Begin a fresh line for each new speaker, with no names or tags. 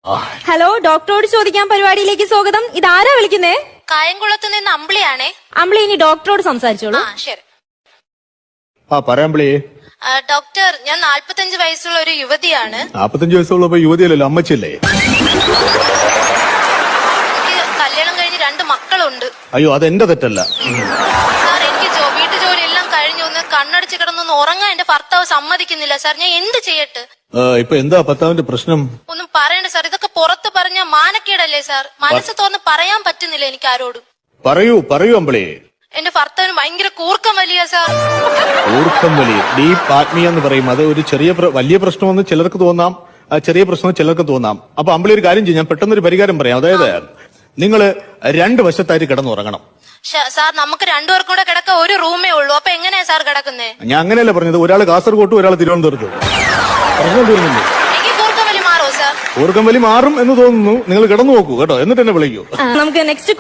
Hello, ഡോക്ടറോട് ചോദിക്കാൻ പരിപാടിയിലേക്ക് സ്വാഗതം. ഇതാരാ വിളിക്കുന്നേ?
കായംകുളത്ത് നിന്ന് അമ്പിളിയാണേ.
അമ്പിളി, ഇനി ഡോക്ടറോട് സംസാരിച്ചോളൂ.
ശരി.
പറയാമ്പിളി.
ഡോക്ടർ, ഞാൻ 45 വയസ്സുള്ള ഒരു യുവതിയാണ്.
45 വയസ്സുള്ളപ്പോ യുവതിയല്ലല്ലോ, അമ്മച്ചല്ലേ?
എനിക്ക് കല്യാണം കഴിഞ്ഞ് 2 മക്കളുണ്ട്.
അയ്യോ, അതെന്റെ തെറ്റല്ല
സാർ, എനിക്ക് വീട്ടു ജോലി എല്ലാം കഴിഞ്ഞു ഒന്ന് കണ്ണടച്ച് കിടന്നൊന്ന് ഉറങ്ങാൻ എന്റെ ഭർത്താവ് സമ്മതിക്കുന്നില്ല സാർ. ഞാൻ എന്ത് ചെയ്യട്ടെ?
ഇപ്പൊ എന്താ ഭർത്താവിന്റെ പ്രശ്നം?
ഒന്നും പറയണ്ട സാർ, ഇതൊക്കെ പുറത്ത് പറഞ്ഞ മാനക്കേടല്ലേ സാർ? മനസ്സ് തുറന്ന് പറയാൻ പറ്റുന്നില്ല എനിക്ക് ആരോടും.
പറയൂ അമ്പിളി.
എന്റെ ഭർത്താവിന് ഭയങ്കര കൂർക്കം വലിയ സാർ.
കൂർക്കം വലിയ ഡീപ് ആത്മീയ എന്ന് പറയും. അത് ഒരു വലിയ പ്രശ്നമെന്ന് ചിലർക്ക് തോന്നാം, ചെറിയ പ്രശ്നം ചിലർക്ക് തോന്നാം. അപ്പൊ അമ്പിളി ഒരു കാര്യം ചെയ്യും, ഞാൻ പെട്ടെന്നൊരു പരിഹാരം പറയാം. അതായത് നിങ്ങള് 2 വശത്തായിട്ട് കിടന്നുറങ്ങണം.
സാർ, നമുക്ക് 2 പേർക്കും കൂടെ കിടക്ക ഒരു റൂമേ ഉള്ളൂ. അപ്പൊ എങ്ങനെയാ സാർ കിടക്കുന്നേ?
ഞാൻ അങ്ങനെയല്ല പറഞ്ഞത്. ഒരാൾ കാസർഗോട്ടും ഒരാൾ തിരുവനന്തപുരത്തും. പ്രശ്നം തീർന്നില്ലേ?
എനിക്ക് കൂർക്കം വലി മാറോ സാർ?
കൂർക്കം വലി മാറും എന്ന് തോന്നുന്നു. നിങ്ങൾ കിടന്നു നോക്കൂ കേട്ടോ, എന്നിട്ട് എന്നെ വിളിക്കൂ.
നമുക്ക് നെക്സ്റ്റ്